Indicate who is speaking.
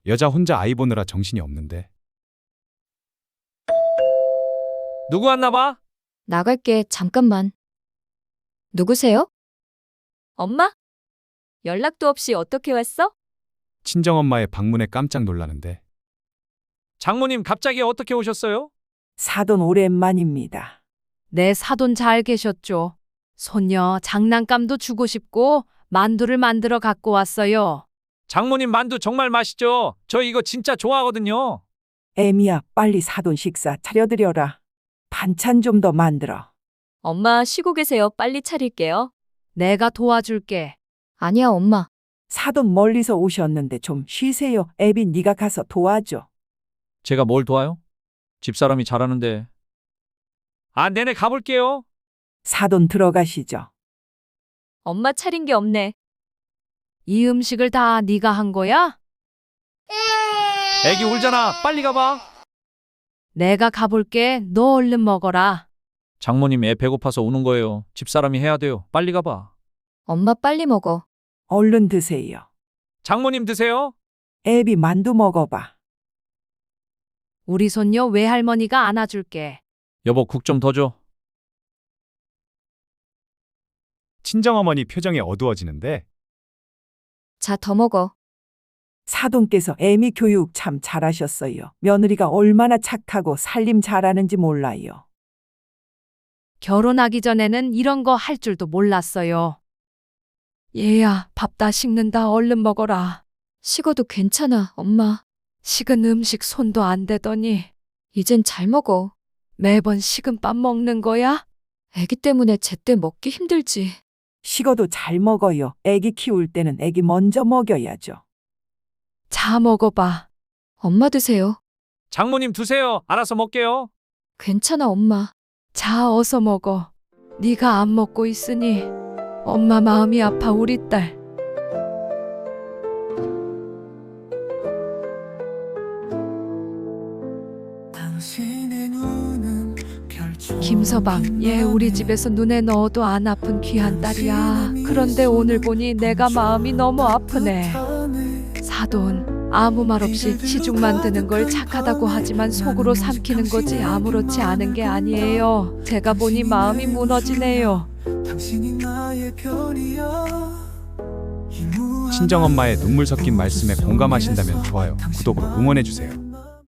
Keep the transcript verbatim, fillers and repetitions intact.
Speaker 1: 여자 혼자 아이 보느라 정신이 없는데.
Speaker 2: 누구 왔나 봐?
Speaker 3: 나갈게, 잠깐만. 누구세요?
Speaker 4: 엄마? 연락도 없이 어떻게 왔어?
Speaker 1: 친정엄마의 방문에 깜짝 놀라는데.
Speaker 2: 장모님 갑자기 어떻게 오셨어요?
Speaker 5: 사돈 오랜만입니다.
Speaker 6: 네, 사돈 잘 계셨죠? 손녀 장난감도 주고 싶고 만두를 만들어 갖고 왔어요.
Speaker 2: 장모님 만두 정말 맛있죠? 저 이거 진짜 좋아하거든요.
Speaker 5: 애미야, 빨리 사돈 식사 차려드려라. 반찬 좀 더 만들어.
Speaker 4: 엄마 쉬고 계세요. 빨리 차릴게요.
Speaker 6: 내가 도와줄게.
Speaker 3: 아니야, 엄마.
Speaker 5: 사돈 멀리서 오셨는데 좀 쉬세요. 애비 네가 가서 도와줘.
Speaker 2: 제가 뭘 도와요? 집사람이 잘하는데. 아, 네네 가볼게요.
Speaker 5: 사돈 들어가시죠.
Speaker 4: 엄마 차린 게 없네.
Speaker 6: 이 음식을 다 네가 한 거야?
Speaker 2: 애기 울잖아. 빨리 가봐.
Speaker 6: 내가 가볼게. 너 얼른 먹어라.
Speaker 2: 장모님 애 배고파서 우는 거예요. 집사람이 해야 돼요. 빨리 가봐.
Speaker 3: 엄마 빨리 먹어.
Speaker 5: 얼른 드세요.
Speaker 2: 장모님 드세요.
Speaker 5: 애비 만두 먹어봐.
Speaker 6: 우리 손녀 외할머니가 안아줄게.
Speaker 2: 여보 국 좀 더 줘.
Speaker 1: 친정어머니 표정이 어두워지는데.
Speaker 3: 자, 더 먹어.
Speaker 5: 사돈께서 애미 교육 참 잘하셨어요. 며느리가 얼마나 착하고 살림 잘하는지 몰라요.
Speaker 6: 결혼하기 전에는 이런 거 할 줄도 몰랐어요. 얘야, 밥 다 식는다. 얼른 먹어라.
Speaker 3: 식어도 괜찮아, 엄마.
Speaker 6: 식은 음식 손도 안 대더니
Speaker 3: 이젠 잘 먹어.
Speaker 6: 매번 식은 밥 먹는 거야?
Speaker 3: 애기 때문에 제때 먹기 힘들지.
Speaker 5: 식어도 잘 먹어요. 애기 키울 때는 애기 먼저 먹여야죠.
Speaker 6: 자, 먹어봐.
Speaker 3: 엄마 드세요.
Speaker 2: 장모님 드세요. 알아서 먹게요.
Speaker 3: 괜찮아, 엄마.
Speaker 6: 자, 어서 먹어. 네가 안 먹고 있으니 엄마 마음이 아파, 우리 딸. 김서방, 얘 우리 집에서 눈에 넣어도 안 아픈 귀한 딸이야. 그런데 오늘 보니 내가 마음이 너무 아프네. 사돈, 아무 말 없이 시중만 드는 걸 착하다고 하지만 속으로 삼키는 거지 아무렇지 않은 게 아니에요. 제가 보니 마음이 무너지네요.
Speaker 1: 친정엄마의 눈물 섞인 말씀에 공감하신다면 좋아요, 구독으로 응원해주세요.